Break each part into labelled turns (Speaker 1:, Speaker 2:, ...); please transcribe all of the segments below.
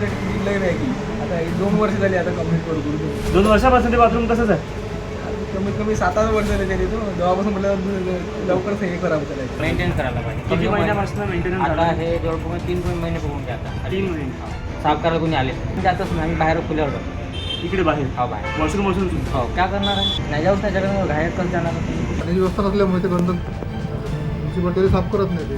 Speaker 1: Complete किती लय आहे की आता 2 वर्ष झाली आता कंप्लीट करू
Speaker 2: 2 वर्षापासून ते बाथरूम तसंच आहे.
Speaker 1: कमीत कमी 7-8 वर्ष झाले तरी तो जेव्हापासून म्हटलं लवकरच हे करावं करायचं.
Speaker 3: मेंटेन करायला पाहिजे.
Speaker 2: किती महिन्यापासून मेंटेनन्स
Speaker 3: आता
Speaker 2: झाला?
Speaker 3: हे जवळपास 3 महिने बघून घ्या आता.
Speaker 2: 3 महिने.
Speaker 3: साफ करायला कोणी आले जातच नाही. आम्ही बाहेर खुल्यावर जातो.
Speaker 2: इकडे बाहेर
Speaker 3: हा बाहेर
Speaker 2: वॉशरूम असून
Speaker 3: हो काय करणार आहे. नाही जाऊच त्याच्याकडे बाहेर कसं जाणार.
Speaker 4: पाण्याची व्यवस्था नसल्यामुळे ते गंदक म्युन्सिपाल्टी साफ करत नाही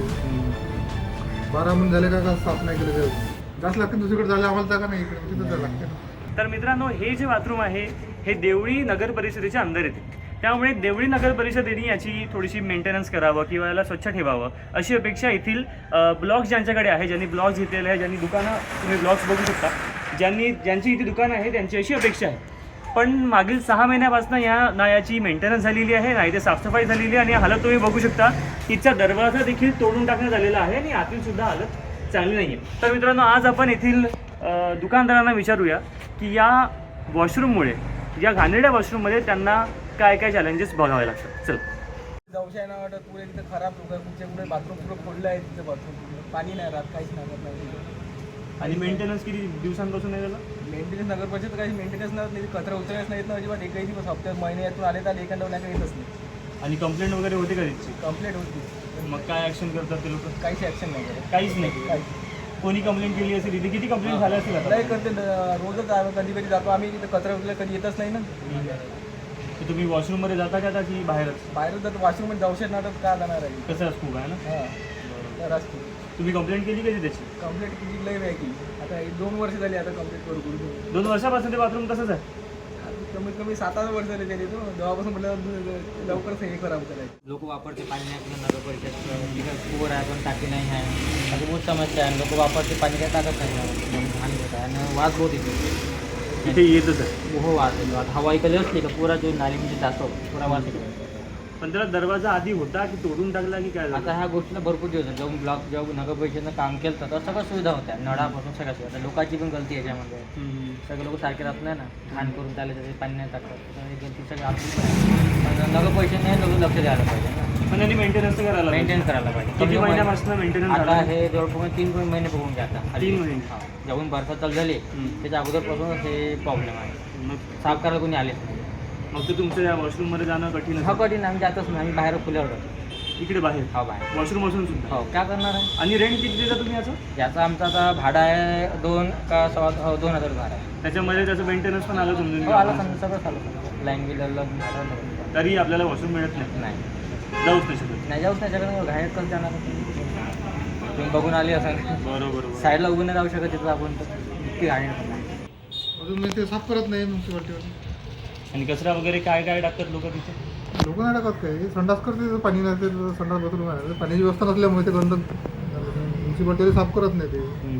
Speaker 4: ते 12 महिने झाले का साफ नाही केलं ते जास्त लागते दुसरीकडे झाले आम्हाला जागा नाही इकडे तिथं जायला लागते ना.
Speaker 2: तर मित्रांनो, हे जे बाथरूम आहे हे देवळी नगर परिषदेच्या अंदर येते. त्यामुळे देवळी नगर परिषदेने याची थोडीशी मेंटेनन्स करावं किंवा याला स्वच्छ ठेवावं अशी अपेक्षा येथील ब्लॉग्स ज्यांच्याकडे आहे, ज्यांनी ब्लॉग्स घेतलेले आहे, ज्यांनी दुकानं तुम्ही ब्लॉग्स बघू शकता, ज्यांची इथे दुकानं आहे त्यांची अशी अपेक्षा आहे. पण मागील 6 महिन्यापासून ना याची मेंटेनन्स झालेली आहे, ना इथे साफसफाई झालेली आहे. आणि हालत तुम्ही बघू शकता, तिचा दरवाजा देखील तोडून टाकण्यात आलेला आहे आणि आतील सुद्धा हालत चांगली नाही आहे. तर मित्रांनो, आज आपण येथील दुकानदारांना विचारूया की या वॉशरूममुळे, या घाणेरड्या वॉशरूममध्ये त्यांना काय काय चॅलेंजेस बघावे लागतात. चल.
Speaker 1: जाऊशा ना वाटत पुढे तिथं खराब लोक कुठचे कुठे बाथरूम पुढं खोललं आहे तिथं बाथरूम पाणी नाही राहत काहीच नाही.
Speaker 2: आणि मेंटेनन्स किती दिवसांपासून आहे त्याला?
Speaker 1: मेंटेनन्स नगर परिषद काही मेंटेनन्स नाही, कचरा उचलण्यास नाहीत ना अजिबात. एकही दिवस हप्त्यात महिन्यातून आले तर एखाद्या नाही येतच नाही.
Speaker 2: आणि कंप्लेंट वगैरे होते का त्याची?
Speaker 1: कंप्लेंट होती,
Speaker 2: मग काय ॲक्शन करतात ते लोक?
Speaker 1: काहीच ॲक्शन नाही करत.
Speaker 2: काहीच नाही.
Speaker 1: काही
Speaker 2: कोणी कंप्लेंट केली असेल इथे? किती कंप्लेंट झाल्या असतील आता?
Speaker 1: नाही करते रोजच कधी कधी जातो आम्ही तिथं कचरा उचलला कधी येतच नाही ना.
Speaker 2: तर तुम्ही वॉशरूममध्ये जाता का आता की बाहेरच?
Speaker 1: बाहेर जातो वॉशरूम जाऊशे ना तर का जाणार आहे.
Speaker 2: कसं खूप आहे ना.
Speaker 1: हां तर असते.
Speaker 2: तुम्ही कंप्लेंट केली कधी त्याची?
Speaker 1: कंप्लीट किती लय आहे की आता 2 वर्ष झाली आता कंप्लीट करू
Speaker 2: 2 वर्षापासून ते बाथरूम तसंच आहे.
Speaker 1: कमीत कमी 7-8 वर्ष झाले तरी तो जेव्हापासून म्हटलं लवकरच हे करावं करायचं.
Speaker 3: लोक वापरते पाणी नाही आपलं नगर परिषद पुवर आहे पण टाकी नाही आहे. अशी बहुत समस्या आहे. लोक वापरते पाणी काय टाकत नाही. घाण होत आहे आणि वास बहुत येतो.
Speaker 2: इथे येतच आहे.
Speaker 3: हो वास येतो. आता हवा इकडे असली का पुरा जो नाली म्हणजे जातो पुरा वास येतो.
Speaker 2: पण त्याला दरवाजा आधी होता की तोडून टाकला की काय झालं?
Speaker 3: आता ह्या गोष्टीला भरपूर दिवस झाले. जेव्हा ब्लॉक जेव्हा नगर परिषदेनं काम केलं तर सगळ्या सुविधा होत्या. नळापासून सगळ्या सुविधा. लोकांची पण गलती आहे याच्यामध्ये. सगळे लोक सारखे राहत नाही ना. घाण करून त्याला त्याचे पाणी नाही टाकतात. गलती सगळी आपली पण नगर परिषदेने लोक लक्ष द्यायला पाहिजे ना.
Speaker 2: पण यांनी मेंटेनन्स करायला
Speaker 3: मेंटेन करायला पाहिजे.
Speaker 2: किती महिन्यापासून मेंटेनन्स
Speaker 3: आता
Speaker 2: झाला?
Speaker 3: हे जवळपास 3 महिने बघून घ्या आता.
Speaker 2: 3 महिने.
Speaker 3: हा जेव्हा बरसात चालू झाली त्याच्या अगोदरपासूनच हे प्रॉब्लेम आहे.
Speaker 2: मग
Speaker 3: साफ करायला कोणी आलेच नाही.
Speaker 2: मग तर तुमचं या वॉशरूममध्ये जाणं कठीण
Speaker 3: हा
Speaker 2: आहे.
Speaker 3: कठीण आम्ही जातच नाही. आम्ही बाहेर खुल्यावर जातो.
Speaker 2: इकडे बाहेर
Speaker 3: हा बाहेर
Speaker 2: वॉशरूम असून सुद्धा.
Speaker 3: हो काय करणार आहे.
Speaker 2: आणि रेंट किती देता तुम्ही याचं?
Speaker 3: याचं आमचं आता भाडं आहे 2 का 2,000 भाडं आहे.
Speaker 2: त्याच्यामध्ये त्याचं मेंटेनन्स पण आलं
Speaker 3: हो आलं
Speaker 2: समजून?
Speaker 3: समजा सगळं आलं. लाईन बिल भाडं
Speaker 2: तरी आपल्याला वॉशरूम मिळत नाही.
Speaker 3: नाही
Speaker 2: जाऊच नाही शकत.
Speaker 3: नाही जाऊच त्याच्याकडे बाहेर कसं जाणार. तुम्ही बघून आले असं
Speaker 2: बरोबर.
Speaker 3: साईडला उभं नाही राहू शकत तिथं आपण तर इतकी गाडी
Speaker 4: अजून मी ते साफ करत नाही म्युन्सिपाल्टीवर.
Speaker 2: आणि कचरा वगैरे काय काय टाकतात लोक तिथे?
Speaker 4: लोक नाही टाकत काय संडास करते तिथं पाणी नाही ते संडास बाथरूम आहे पाण्याची व्यवस्था नसल्यामुळे ते गंदक म्युन्सिपाल्टी साफ करत नाही ते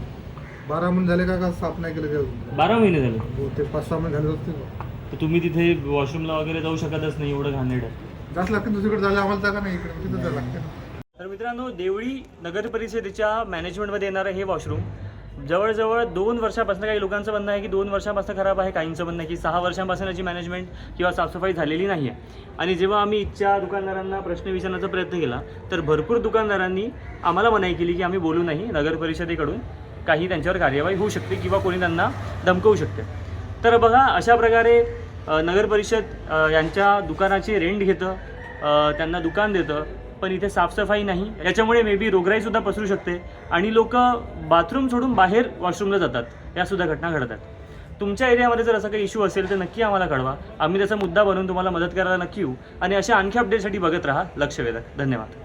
Speaker 4: 12 महिने झाले का साफ नाही केलं ते अजून.
Speaker 2: 12 महिने झाले.
Speaker 4: ते 5-6 महिने झाले असतील.
Speaker 2: तर तुम्ही तिथे वॉशरूमला वगैरे जाऊ शकतच नाही, एवढं घाणेरडं आहे.
Speaker 4: जास्त लागते दुसरीकडे झाले आम्हाला जागा नाही इकडे तिथं जायला लागते ना.
Speaker 2: तर मित्रांनो, देवळी नगर परिषदेच्या मॅनेजमेंटमध्ये येणारं हे वॉशरूम जवळजवळ 2 वर्षापासून, काही लोकांचं म्हणणं आहे की 2 वर्षापासून खराब आहे, काहींचं म्हणणं आहे की 6 वर्षांपासून याची मॅनेजमेंट किंवा साफसफाई झालेली नाही आहे. आणि जेव्हा आम्ही इथच्या दुकानदारांना प्रश्न विचारण्याचा प्रयत्न केला तर भरपूर दुकानदारांनी आम्हाला मनाई केली की आम्ही बोलू नाही, नगर परिषदेकडून काही त्यांच्यावर कार्यवाही होऊ शकते किंवा कोणी त्यांना धमकवू शकते. तर बघा, अशा प्रकारे नगर परिषद यांच्या दुकानाची रेंट घेतं, त्यांना दुकान देतं, पण इथे साफसफाई नाही. याच्यामुळे मे बी रोगराईसुद्धा पसरू शकते आणि लोक बाथरूम सोडून बाहेर वॉशरूमला जातात. यासुद्धा घटना घडतात. तुमच्या एरियामध्ये जर असा काही इश्यू असेल तर नक्की आम्हाला कळवा. आम्ही त्याचा मुद्दा बनवून तुम्हाला मदत करायला नक्की येऊ. आणि अशा आणखी अपडेटसाठी बघत राहा लक्ष वेधक. धन्यवाद.